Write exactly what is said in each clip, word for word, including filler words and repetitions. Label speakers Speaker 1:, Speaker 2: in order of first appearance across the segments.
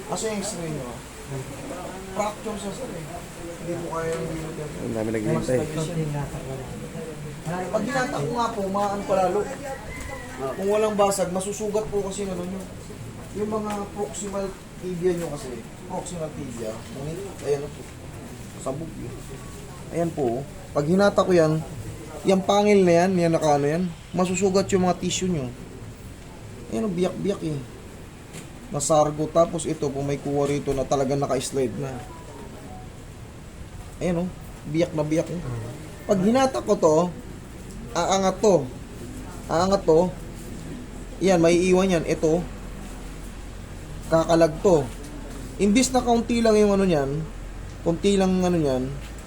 Speaker 1: Kasi yung x-ray nyo, fracture siya sir eh. Hindi mo kaya yung bilog yan.
Speaker 2: Ang dami
Speaker 1: Mas
Speaker 2: naghihintay.
Speaker 1: nagis yan. Pag ginatak ko nga po, maaan pa lalo. Kung walang basag, masusugat po kasi ano nyo. Yung mga proximal tibia nyo kasi, proximal tibia, ngunit, ayan po, sabog yun. Ayan po, pag hinata ko yan, yung pangil na yan, yan naka ano yan, masusugat yung mga tissue nyo. Ayan o, biyak-biyak eh. Nasargo, tapos ito, kung may kuha rito na talagang naka-slide na. Ayan o, biyak na biyak eh. Pag hinata ko to, aangat to. Aangat to. Yan, may iwan yan. Ito, kakalag to. Imbis na kaunti lang yung ano niyan, kaunti lang ano niyan,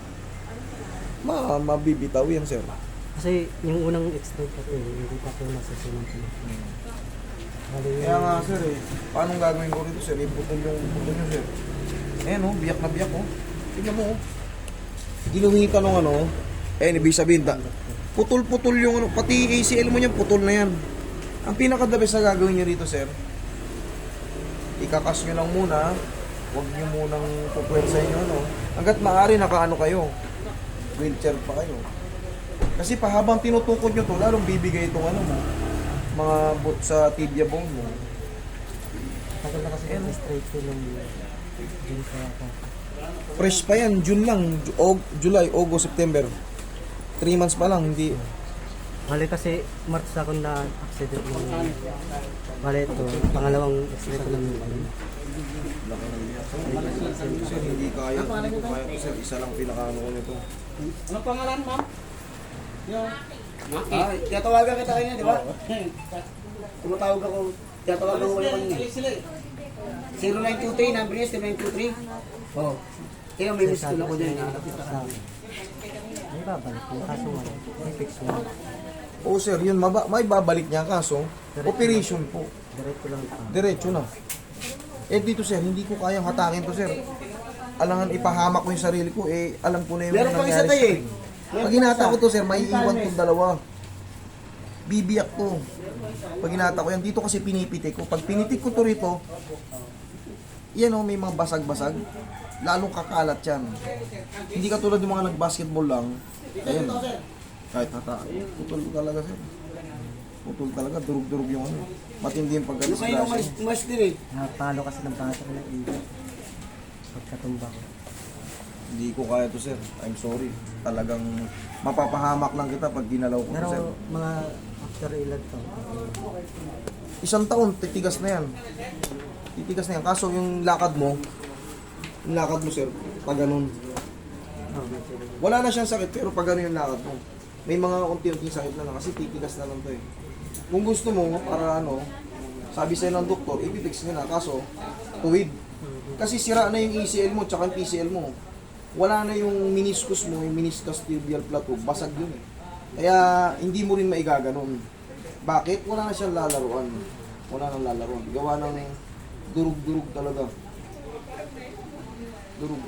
Speaker 1: ma mabibitaw yan, sir.
Speaker 3: Kasi yung unang x-ray kasi, hindi pa po nasusunod ko.
Speaker 1: Kaya nga, sir eh. Paano gagawin ko rito, sir? Iputol yung putol nyo, sir. Ayan oh, biyak na biyak oh. Tignan mo oh. Ginuhita nung ano, eh, ibig sabihin, da, putol-putol yung ano, pati A C L mo niyan, putol na yan. Ang pinaka-the best na gagawin nyo rito, sir, ikakas nyo lang muna, huwag nyo munang pupwersa nyo, no? Hanggat maaari, nakaano kayo, wheelchair pa kayo. Kasi pa habang tinutukod nyo to, lalong bibigay itong ano mo, mga boot sa tibia bone mo.
Speaker 3: Tagal na kasi yung straight ko lang yun. June kaya ako.
Speaker 1: Fresh pa yan, June lang, Ju- Aug- July, August, September. three months pa lang, hindi.
Speaker 3: Bale kasi March ako na accident ng bale ito, pangalawang x-ray ko lang yun.
Speaker 1: Laki ng biyak. Sir, hindi kaya, hindi ko kaya. Sir, isa lang pinakaano ko nito.
Speaker 4: Ano pangalan, ma'am? Yung... Ah, tiyatawagan kita kanina, di ba? Tumatawag ako, tiyatawagan ko kayo kanina. zero nine two three, number niya, zero nine two three. Oo. Kaya may miss call ako dyan.
Speaker 3: May babalik yung kaso nga, may fix mo.
Speaker 1: Oo sir, yun, maba, may babalik niya kaso, operation po.
Speaker 3: Diretso lang ito.
Speaker 1: Diretso na. Eh dito sir, hindi ko kayang hatakin to sir. Alangan ipahamak ko yung sarili ko, eh alam ko na yung
Speaker 4: Meron pang isa tayo eh.
Speaker 1: Pag hinata ko to sir, may iwan tong dalawa. Bibiyak to. Pag hinata ko yan, dito kasi pinipitik ko. Pag pinitik ko to rito, yan o, may mga basag-basag. Lalong kakalat yan. Hindi ka tulad ng mga nag-basketball lang. Ayan. Kahit hata. Putol talaga sir. Putol talaga. Durug-durug yung ano. Matindi yung
Speaker 4: Ano kayo nung
Speaker 1: pagka-disgrasya.
Speaker 4: mas, mas din eh?
Speaker 3: Napalo kasi ng bata ko ng iba. Pagkatumba ko.
Speaker 1: Hindi ko kaya to sir. I'm sorry. Talagang mapapahamak lang kita pag ginalaw ko to
Speaker 3: Pero
Speaker 1: sir.
Speaker 3: mga after ilan to.
Speaker 1: Isang taon, titigas na yan. Titigas na yan. Kaso yung lakad mo, yung lakad mo sir, pag ganun.
Speaker 3: Oh, may sila.
Speaker 1: Wala na siyang sakit pero pag ganun yung lakad mo. May mga unti-unting sakit na lang kasi titigas na lang to eh. Kung gusto mo, para ano, sabi sa'yo ng doktor, ipipix nyo na. Kaso, tuwid. Kasi sira na yung A C L mo tsaka yung P C L mo. Wala na yung meniscus mo, yung meniscus tibial plateau, basag yun eh. Kaya hindi mo rin maigaganon. Bakit? Wala na siyang lalaruan. Wala nang lalaruan. Gawa ng durug-durug talaga. Durug.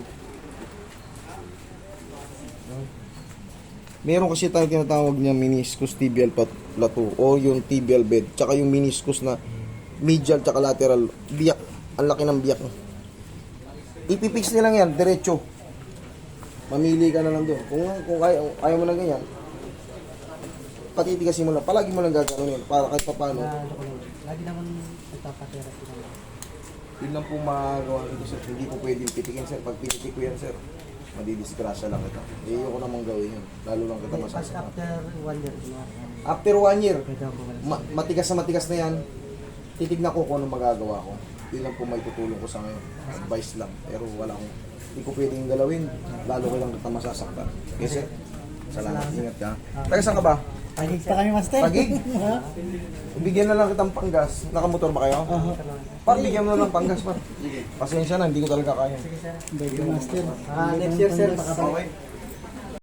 Speaker 1: Meron kasi tayong tinatawag niya meniscus tibial pat- plateau o yung tibial bed, tsaka yung meniscus na medial tsaka lateral. Biyak. Ang laki ng biyak. Ipipix nilang yan, diretso. Mamili ka na lang doon. Kung, kung ayaw, ayaw mo na ganyan, patitigasin mo lang. Palagi mo lang gagawin yun. Para kahit pa paano.
Speaker 3: Na, ano ko lang, lagi naman nagpapatherapy lang.
Speaker 1: Yun lang po magagawa dito sir. Hindi ko pwedeng pitikin sir. Pag pinitik ko yan sir, madidisgrasya lang kita. Eh, ko namang gawin yun. Lalo lang kita
Speaker 3: Pag
Speaker 1: masasama.
Speaker 3: after one year, kunwari,
Speaker 1: After one year,
Speaker 3: pwede ako wala.
Speaker 1: ma- matigas na matigas na yan, titignan ko kung anong magagawa ko. Yun lang po may tutulong ko sa ngayon. Advice lang. Pero wala akong, hindi ko pwedeng galawin. Lalo ko lang kita masasaktan. Okay sir? Salamat. Ingat ka. Taga saan ka ba?
Speaker 3: Pagig pa kami, master.
Speaker 1: Pagig? Bigyan na lang kitang panggas. Nakamotor ba kayo?
Speaker 3: Oo.
Speaker 1: Par, bigyan mo na lang panggas pa. Pasensya na, hindi ko talaga kaya.
Speaker 3: Sige, sir. Master. Ah, next year, sir. Baka
Speaker 1: Okay.